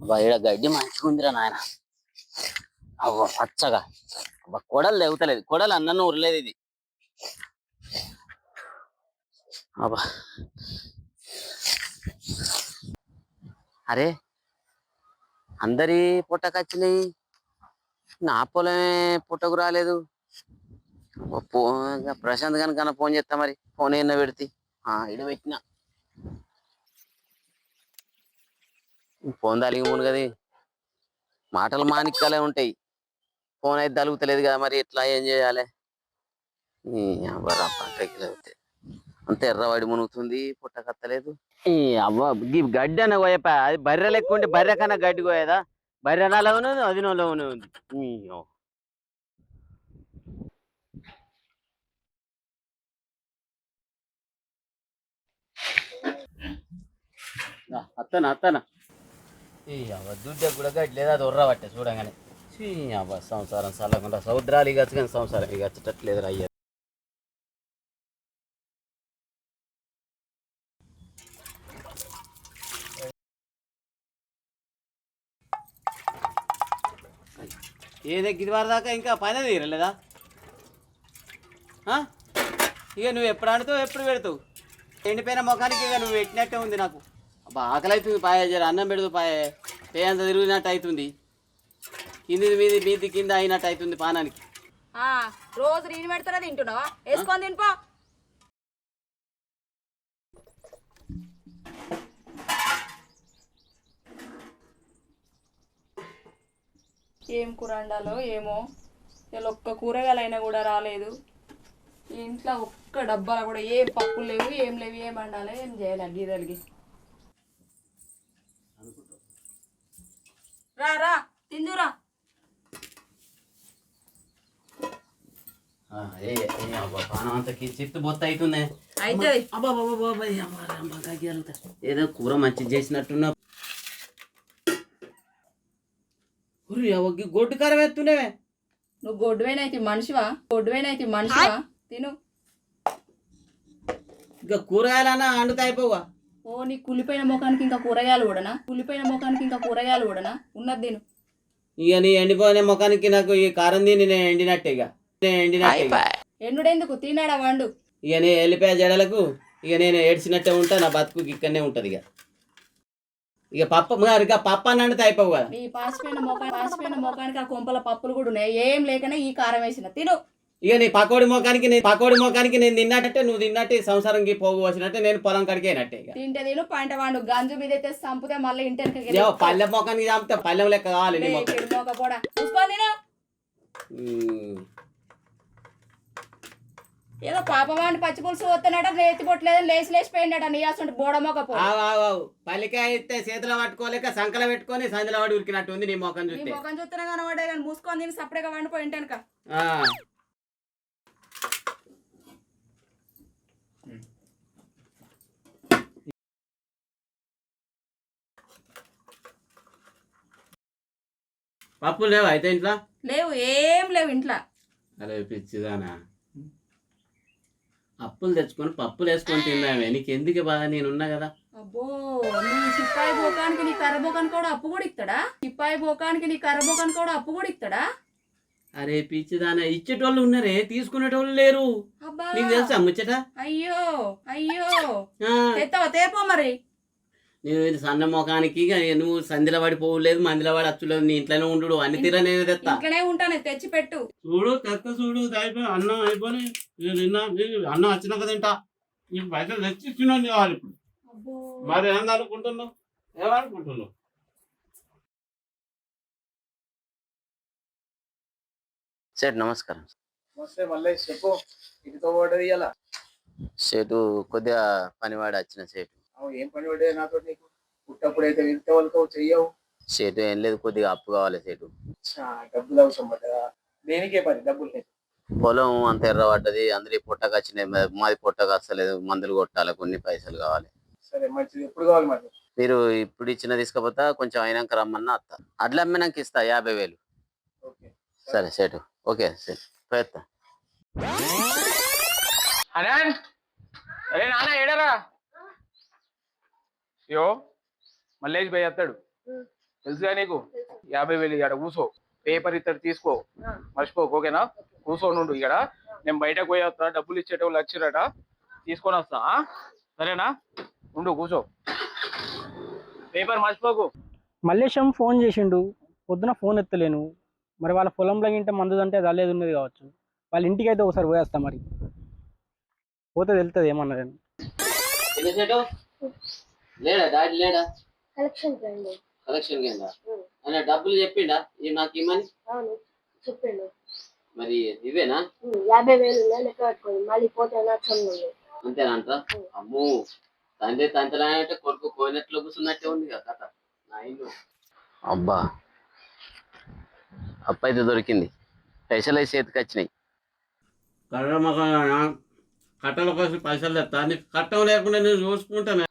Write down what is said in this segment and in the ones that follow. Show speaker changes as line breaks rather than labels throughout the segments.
ఈడ గడ్డి మంచిగా ఉందిరా నాయన. అవ్వ పచ్చగా. అబ్బా కొడలు లేవుతలేదు, కొడలు అన్నను ఉరలేదు ఇది. అబ్బా అరే అందరి పుట్టకొచ్చినాయి, నా పొలమే పుట్టకు రాలేదు. ప్రశాంత్ కనుక ఫోన్ చేస్తా, మరి ఫోన్ ఏమన్నా పెడితే ఇడ పెట్టినా ఫోన్ తలిగి మునుగది. మాటలు మాణిక్యాలే ఉంటాయి, ఫోన్ అయితే తలుగుతలేదు కదా, మరి ఎట్లా ఏం చేయాలి? అంత ఎర్రవాడి మునుగుతుంది, పుట్టకత్తలేదు. ఈ అవ్వ గడ్డి అన్న కోయపా, అది బర్రె లెక్క ఉంటే బర్రె కన్నా గడ్డి కోయదా? బర్రె నాలో ఉన్నది, అది నాలోనే ఉంది. అత్తనా అత్తనా ఈ అవ్వ దుడ్డ కూడా గడ్డి లేదా, అది ఉర్ర పట్టే చూడగానే. అవ్వ సంసారం చల్లకుండా సముద్రాలు ఇగచ్చు, కానీ సంసారం ఇగచ్చట్లేదు అయ్యా. ఏదే గిరివారి దాకా ఇంకా పైన తీరలేదా? ఇక నువ్వు ఎప్పుడు ఆడుతావు, ఎప్పుడు పెడతావు? ఎండిపోయిన ముఖానికి ఇక నువ్వు పెట్టినట్టే ఉంది నాకు. అబ్బా ఆకలి అవుతుంది, పాయ జర అన్నం పెడదు, పే అంత తిరిగినట్టు అవుతుంది, కింది మీది మీది కింద అయినట్టు అవుతుంది పానానికి.
రోజు నేను పెడతారా, తింటున్నావా? వేసుకొని తినిపో. ఏం కూర వండాలో ఏమో, ఇలా ఒక్క కూరగాయలైనా కూడా రాలేదు. ఇంట్లో ఒక్క డబ్బాలో కూడా ఏం పప్పులు లేవు, ఏం లేవు, ఏం వండాలి, ఏం చేయాలి గీదలిగి. రా రా తిందురా.
చిత్తు బొత్త అవుతుంది. ఏదో కూర మంచిగా చేసినట్టున్నా, గొడ్డు కారం ఎత్తున్నావే.
నువ్వు గొడ్డువేనైతే మనిషివా? గొడ్డువేనైతే మనిషివా? తిను.
ఇంకా కూరగాయలన్నా అండుతా అయిపోవా?
ఓ నీ కులిపోయిన ముఖానికి ఇంకా కూరగాయలు కూడానా? కులిపోయిన ముఖానికి ఇంకా కూరగాయలు కూడానా? ఉన్నది తిను.
ఇక నీ ఎండిపోయిన ముఖానికి నాకు ఈ కారం తిని నేను ఎండినట్టే, ఇక ఎండినట్టే.
ఎండుడెందుకు, తిన్నాడా వండు.
ఇక నేను వెళ్ళిపోయా జడలకు, ఇక నేను ఏడ్చినట్టే ఉంటా, నా బతుకు ఇక్కడనే ఉంటుంది. ఇక పప్పు ఇక పప్పు అని అండితే అయిపోవు కదా.
నీ పాసిపోయిన ముఖానికి ఆ కొంపల పప్పులు కూడా ఉన్నాయి, ఏం లేకనే ఈ కారం వేసిన తిను.
ఇక నీ పకోడి మోకానికి నేను తిన్నట్టే, నువ్వు తిన్నట్టే సంసారంకి పోగు వచ్చినట్టే, నేను పొలం కడికి అయినట్టే.
తింటే తిను, పంట వాడు గంజు మీద అయితే చంపితే మళ్ళీ ఇంటి
పల్లె మోకానికి చంపితే పల్లెం లెక్క కావాలి.
కూడా చూసుకొని తిను. ఏదో పాపమాని పచ్చి పులుసు వస్తున్నాడ, నేతి పొట్టలేదని లేచి లేచిపోయిండట నీ అసలు బోడమోక.
పల్లికాయ అయితే చేతిలో పట్టుకోలేక సంకల పెట్టుకొని సందులో వాడి ఉరికినట్టు ఉంది నీ మొఖం చూస్తే.
మొఖం చూస్తున్నా కనబడే కానీ మూసుకొని తిని సపరేట్గా వండిపోయి ఇంటెనక.
పప్పులు లేవు అయితే ఇంట్లో?
లేవు, ఏం లేవు ఇంట్లో.
అరే పిచ్చిదానా, అప్పులు తెచ్చుకొని పప్పులు వేసుకొని తిన్నామే, నీకు ఎందుకు బాగా, నేనున్నా కదా.
అబ్బో నీ సిప్పాయి బోకానికి నీ కర్రబోకానికి కూడా అప్పు కూడా ఇస్తాడా? సిప్పాయి బోకానికి నీ కర్రబోకానికి కూడా అప్పు కూడా ఇస్తాడా?
అరే పిచ్చిదానా, ఇచ్చేటోళ్ళు ఉన్నారే, తీసుకునేటోళ్ళు లేరు. నీకు తెలుసా ముచ్చట?
అయ్యో అయ్యో, తెస్తావా? తేపో మరి.
నేను సన్న ముఖానికి నువ్వు సంధిలో పడిపోలేదు, మందిలో పడి అచ్చులేదు, నీ ఇంట్లోనే ఉండు, అన్ని తీరా నేను తెస్తా.
ఇంట్లోనే ఉంటాను, తెచ్చి పెట్టు.
చూడు తెస్తా, చూడు అయిపోయి అన్నం అయిపోయి అన్నం వచ్చినాక తింటా. నీకు పైసలు తెచ్చి ఇచ్చినాను కావాలి ఇప్పుడు. మరి ఏం అనుకుంటున్నావు, ఏమనుకుంటున్నావు? సేటు నమస్కారం.
చెప్పు, ఇటుతో పడ్డది ఇలా.
సేటు కొద్దిగా పనివాడు వచ్చిన సేటు.
ఏం పని పడ్డది నాతో? నీకు పుట్టప్పుడు అయితే ఇంతవరకు చెయ్యవు.
సేటు ఏం లేదు, కొద్దిగా అప్పు కావాలి సేటు.
డబ్బులు అవసరం పడ్డదా? దేనికే పని డబ్బులు లేదు.
పొలం అంత ఎర్ర పడ్డది, అందరి పొట్టకొచ్చినాయి, మాది పొట్టకొస్తలేదు, మందులు కొట్టాలి, కొన్ని పైసలు కావాలి.
సరే మంచిది, ఎప్పుడు కావాలి మరి?
మీరు ఇప్పుడు ఇచ్చిన తీసుకపోతా, కొంచెం అయినాక రమ్మన్నా అత్త. అడ్లు అమ్మినాక ఇస్తా 50,000. సరే సేటు, ఓకే సేటు ప్రయత్నం.
అరే నాన్న ఏడరా? యో మల్లేష్ భయ్ వస్తాడు,
తెలుసుగా నీకు 50,000 ఇక్కడ కూర్చో, పేపర్ ఇద్దరు తీసుకో, మర్చిపోకు, ఓకేనా? కూర్చొని ఉండు ఇక్కడ, నేను బయటకు పోయి వస్తా, డబ్బులు ఇచ్చేటోళ్ళు వచ్చిరట, తీసుకొని వస్తా, సరేనా? ఉండు కూర్చో, పేపర్ మర్చిపోకు.
మల్లేశం ఫోన్ చేసిండు, పొద్దున ఫోన్ ఎత్తలేను. మరి వాళ్ళ పొలంలో గింటే మందు అంటే అది అల్లేది ఉన్నది కావచ్చు. వాళ్ళ ఇంటికి అయితే ఒకసారి పోయేస్తా, మరి పోతే తెలుస్తుంది ఏమన్నా నేను.
లేడా డాడీ లేడా?
కలెక్షన్
కలెక్షన్ కింద ఆయన డబ్బులు చెప్పిండా నాకు ఇమ్మని?
అవును చెప్పిండు.
మరి ఇవేనా?
50,000 లెక్క పెట్టుకోండి, మళ్ళీ పోతే నచ్చండి.
అంతేనంట? అమ్మో, తండ్రి తంతలానంటే కొడుకు కోయినట్లు కూర్చున్నట్టే ఉంది కదా కథ నా ఇల్లు. అబ్బా, అప్ప అయితే దొరికింది, పైసలు అయితే చేతికి వచ్చినాయి. కట్టల కోసం పైసలు తెస్తా, నీకు కట్టం లేకుండా నేను చూసుకుంటాను.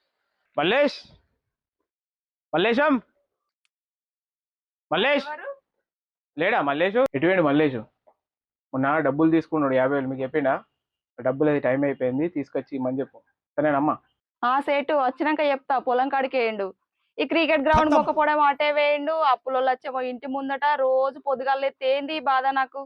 మల్లేశం మల్లేష్ లేడా? మల్లేషు ఎటువంటి మల్లేషు మొన్న డబ్బులు తీసుకున్నాడు 50,000, మీకు చెప్పిండా? డబ్బులు అది టైం అయిపోయింది, తీసుకొచ్చి ఇమ్మని చెప్పు, సరేనమ్మా?
సేటు వచ్చినాక చెప్తా. పొలం కాడికి వేయండు, ఈ క్రికెట్ గ్రౌండ్ మొక్కపోవడం అటే వేయండు, అప్పులో వచ్చేమో ఇంటి ముందట రోజు పొద్దుగాలే తేంది బాధ నాకు.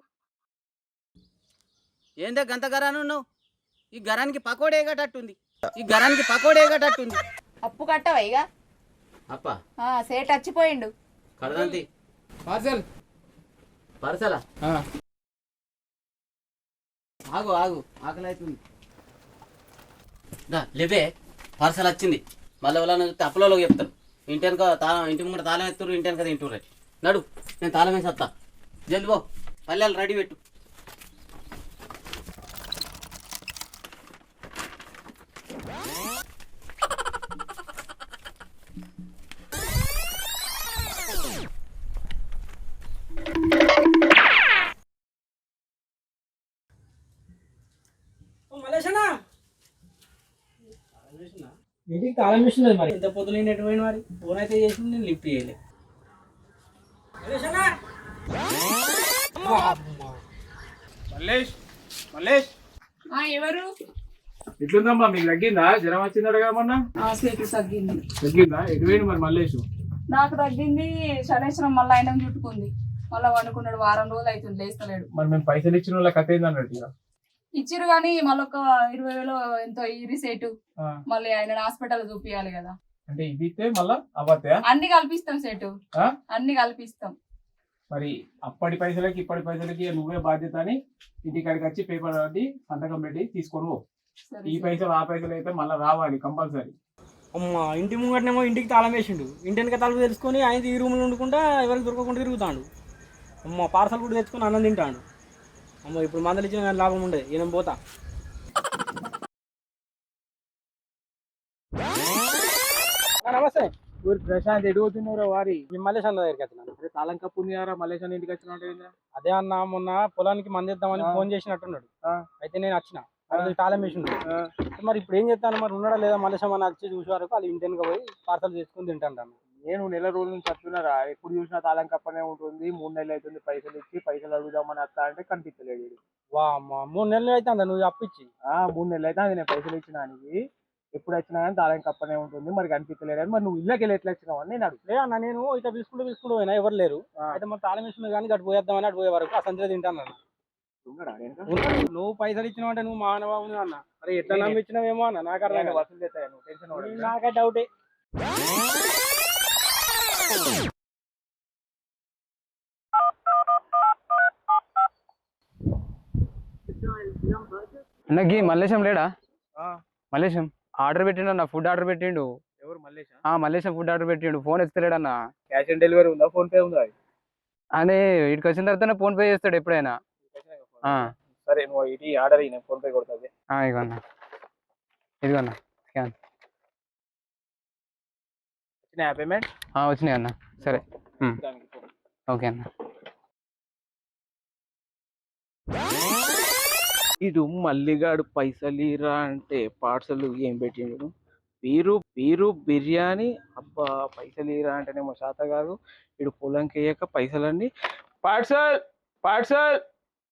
ఏందే గంత గరాను ఉన్నావు? ఈ గరానికి పకోడేగటట్టుంది, ఈ గరానికి పకోడేగటట్టుంది.
అప్పు కట్టవా ఇక?
అప్ప
సేట్ వచ్చిపోయిండు.
కడదంతి
పార్సల్
పరసలా? ఆగు ఆగు, ఆకలి అవుతుంది. లేవే, పార్సల్ వచ్చింది. మళ్ళీ ఎవరైనా చూస్తే అప్పులలో చెప్తారు, ఇంటి వెనక తాళం, ఇంటి ముందు తాళం ఎత్తురు, ఇంటి వెనక తింటుర్రు. నడు, నేను తాళం వేసి వస్తా, జల్ది పో, పల్లెలు రెడీ పెట్టు.
ఇంటికి తాళం వేసినది, మరి ఎంత పొద్దున ఎటువంటి మరి ఫోన్ అయితే చేసింది, నేను లిఫ్ట్ చేయలే.
మల్లేష్ మల్లేష్
ఎవరు?
ఎట్లుందమ్మా, మీకు తగ్గిందా? జ్వరం వచ్చిందట కదా మొన్న?
సేటు తగ్గింది.
తగ్గిందా? ఎటువైంది మరి మల్లేషు?
నాకు తగ్గింది, శనేశ్వరం మళ్ళీ ఆయన చుట్టుకుంది, మళ్ళీ వండుకున్నాడు, వారం రోజులు అవుతుంది, లేస్తలేడు.
మరి మేము పైసలు ఇచ్చిన వాళ్ళ కథ ఏంది అన్నట్టు ఇక?
ఇచ్చిరు కానీ మళ్ళీ ఒక 20,000 ఎంతో ఇరి సేటు, మళ్ళీ ఆయన హాస్పిటల్ చూపియాలి కదా.
అంటే ఇది ఇస్తే మళ్ళా అవత్తా?
అన్ని కల్పిస్తాం సేటు, అన్ని కల్పిస్తాం.
మరి అప్పటి పైసలకి ఇప్పటి పైసలకి నువ్వే బాధ్యత అని ఇంటికాడికి వచ్చి పేపర్ రాసి సంతకం పెట్టి తీసుకొని పో. ఈ పైసలు ఆ పైసలు అయితే మళ్ళీ రావాలి కంపల్సరీ.
అమ్మ, ఇంటి ముంగటనేమో ఇంటికి తాళం వేసిండు, ఇంటి వెనక తలుపు తెలుసుకొని ఆయన ఈ రూమ్లో వండుకుంటా ఎవరికి దొరకకుండా తిరుగుతాడు. అమ్మ, పార్సల్ కూడా తెచ్చుకొని అన్నం తింటాడు. అమ్మ, ఇప్పుడు మందలు ఇచ్చిన కానీ లాభం ఉండదు, ఈయన పోతా. నమస్తే.
ఊరి ప్రశాంత్ ఎడుగుతున్నారా వారి?
మీ మల్లేష్ అన్న దగ్గరికి వచ్చినాను.
అరే తాళం కప్పు ఉంది కదా, మల్లేష్ అన్న ఇంటికి వచ్చిన?
అదే అన్న, మొన్న పొలానికి మందిద్దామని ఫోన్ చేసినట్టున్నాడు, అయితే నేను వచ్చిన, అది తాళం వేసిండు. మరి ఇప్పుడు ఏం చేస్తాను, మరి ఉన్నాడా లేదా మల్లేశం అని వచ్చి చూసే వరకు వాళ్ళు ఇంటి వెనక పోయి పార్సల్ చేసుకుని తింటాను.
నేను నెల రోజుల నుంచి చెప్తున్నారా, ఎప్పుడు చూసినా తాళం కప్పనే ఉంటుంది, 3 నెలలు అవుతుంది పైసలు ఇచ్చి, పైసలు అడుగుదామని వస్తా అంటే కనిపించలేడు.
వా అమ్మ, 3 నెలలు అయితే అందా నువ్వు అప్పిచ్చి?
3 నెలలు అయితే అది నేను పైసలు ఇచ్చినానికి, ఎప్పుడు వచ్చినా కానీ తాళం కప్పనే ఉంటుంది, మరి కనిపించలేడు అని. మరి నువ్వు ఇళ్ళకి వెళ్ళి ఎట్లా వచ్చినావు అని నేను అడుగు.
అన్న, నేను ఇట్లా పిలుచుకుంటూ పోయినా, ఎవరు లేరు, అయితే మరి తాళం వేసుకున్నా కానీ అటు పోయేద్దామని అటు పోయే వరకు ఆ సంచిలో తింటాను అన్న. నువ్వు పైసలు ఇచ్చినావు అంటే నువ్వు మానవాబు అన్న. అరే ఎట్లా నమ్మిచ్చినావేమో అన్న, నాకు అర్థం కాదు.
వసూలు చేస్తాను, నువ్వు టెన్షన్ పడకు.
నాకే డౌటే.
అన్నకి మల్లేశం లేడా? మల్లేశం ఆర్డర్ పెట్టిండు అన్న, ఫుడ్ ఆర్డర్ పెట్టిండు.
ఎవరు మల్లేష్?
మల్లేశం ఫుడ్ ఆర్డర్ పెట్టిండు, ఫోన్ ఎత్తలేడన్న.
క్యాష్ ఆన్ డెలివరీ ఉందా, ఫోన్ పే ఉందా?
అని ఇక్కడికి వచ్చిన తర్వాత ఫోన్ పే చేస్తాడు ఎప్పుడైనా.
సరే, నువ్వు ఇది ఆర్డర్ నేను ఫోన్ పే కొడుతుంది.
ఇదిగోన్నా, ఇదిగోన్నా స్కాన్.
వచ్చినాయా పేమెంట్?
వచ్చినాయి అన్న. సరే, ఓకే అన్న.
ఇడు మల్లిగాడు పైసలు ఇరా అంటే పార్సల్ ఏం పెట్టిండు, పీరు బిర్యానీ. అబ్బా, పైసలు ఇరా అంటేనేమో శాత కాదు, ఇడు పొలంకి వేయక పైసలన్నీ పార్సల్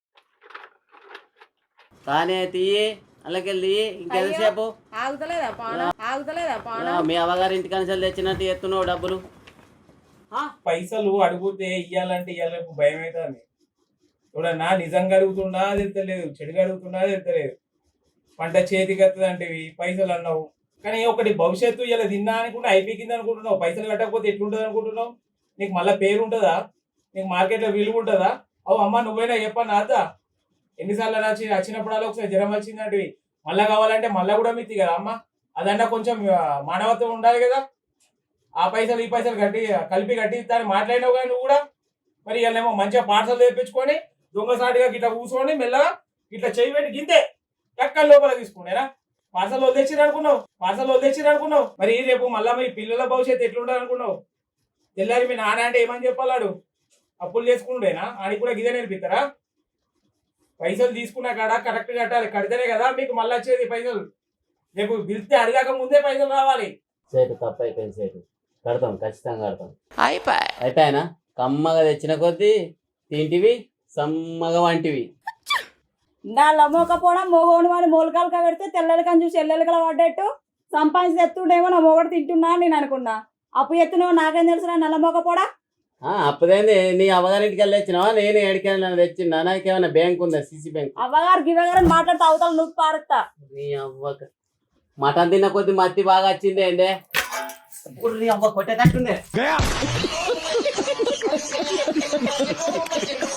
తానే తీయి, అలాకెళ్ళి ఇంకెంతసేపు
ఆగుతలేదా పాన?
మీ అవ్వగారి ఇంటికి కనిసలు తెచ్చినట్టు ఎత్తున్నావు డబ్బులు.
పైసలు అడిగితే ఇయ్యాలంటే ఇయ్యాలి భయం అవుతుంది. చూడన్నా నిజంగా అడుగుతున్నా తెలుస్తలేదు, చెడుగా అడుగుతున్నా తెలుస్తలేదు. పంట చేతికి వస్తుందంటివి పైసలు అన్నావు, కానీ ఒకటి భవిష్యత్తు ఇలా తిన్నా అనుకుంటే అయిపోయింది అనుకుంటున్నావు. పైసలు కట్టకపోతే ఎట్లుంటుంది అనుకుంటున్నావు? నీకు మళ్ళీ పేరు ఉంటుందా? నీకు మార్కెట్లో విలువ ఉంటుందా? అవు అమ్మ నువ్వైనా చెప్పన్నా అద్దా. ఎన్నిసార్లు వచ్చినప్పుడల్లా ఒకసారి జ్వరం వచ్చిందంటివి, మళ్ళా కావాలంటే మళ్ళా కూడా మిత్తి కదా అమ్మ. అదన్నా కొంచెం మానవత్వం ఉండాలి కదా. ఆ పైసలు ఈ పైసలు కలిపి కట్టిస్తాను మాట్లాడినావు కానీ నువ్వు కూడా. మరి వీళ్ళేమో మంచిగా పార్సల్ తెప్పించుకొని దొంగసాటిగా గిట్లా కూర్చొని మెల్లగా ఇట్లా చేయి పెట్టి గింతే ఎక్కడ లోపల తీసుకునేనా? పార్సల్ వదిలేసిరు అనుకున్నావు. మరి రేపు మళ్ళా మీ పిల్లల భవిష్యత్తు ఎట్లుండదు అనుకున్నావు? తెల్లారి మీ నాన్న అంటే ఏమని చెప్పాలాడు? అప్పులు చేసుకుంటేనా? ఆడికి కూడా గిదే నేర్పిస్తారా? పైసలు తీసుకున్నా కాడ కరెక్ట్ కట్టాలి, కడితేనే కదా మీకు మళ్ళీ వచ్చేది పైసలు. రేపు పిలిస్తే అడిగాక ముందే పైసలు రావాలి.
సేటు తప్పు అయిపోయింది సేటు, కడతాం ఖచ్చితంగా కడతాం. అయిపోయానా? కమ్మగా తెచ్చిన కొద్దీ తింటివి, సమ్మగా వంటివి.
నా లమ్మకపోవడం మొగోని వాడి మూలకాలక పెడితే తెల్లలకని చూసి ఎల్లెలకల పడ్డట్టు సంపాదించి ఎత్తుండేమో నా మొగడు తింటున్నా అని నేను అనుకున్నా. అప్పు ఎత్తున్నావు నాకేం తెలుసు నల్ల మొగపోడా?
అప్పుడేంది నీ అవ్వగారింటికి వెళ్ళి తెచ్చినావా? నేను ఎడికైనా తెచ్చిందా? నాకేమైనా బ్యాంక్ ఉందా? CC bank?
అవ్వగారు గివ్వగారు మాట్లాడుతూ అవతల నువ్వు పారుతా.
నీ అవ్వక మటన్ తిన్న కొద్ది మత్తి బాగా వచ్చింది ఏందే? నీ అవ్వ కొట్టేటట్టుందే.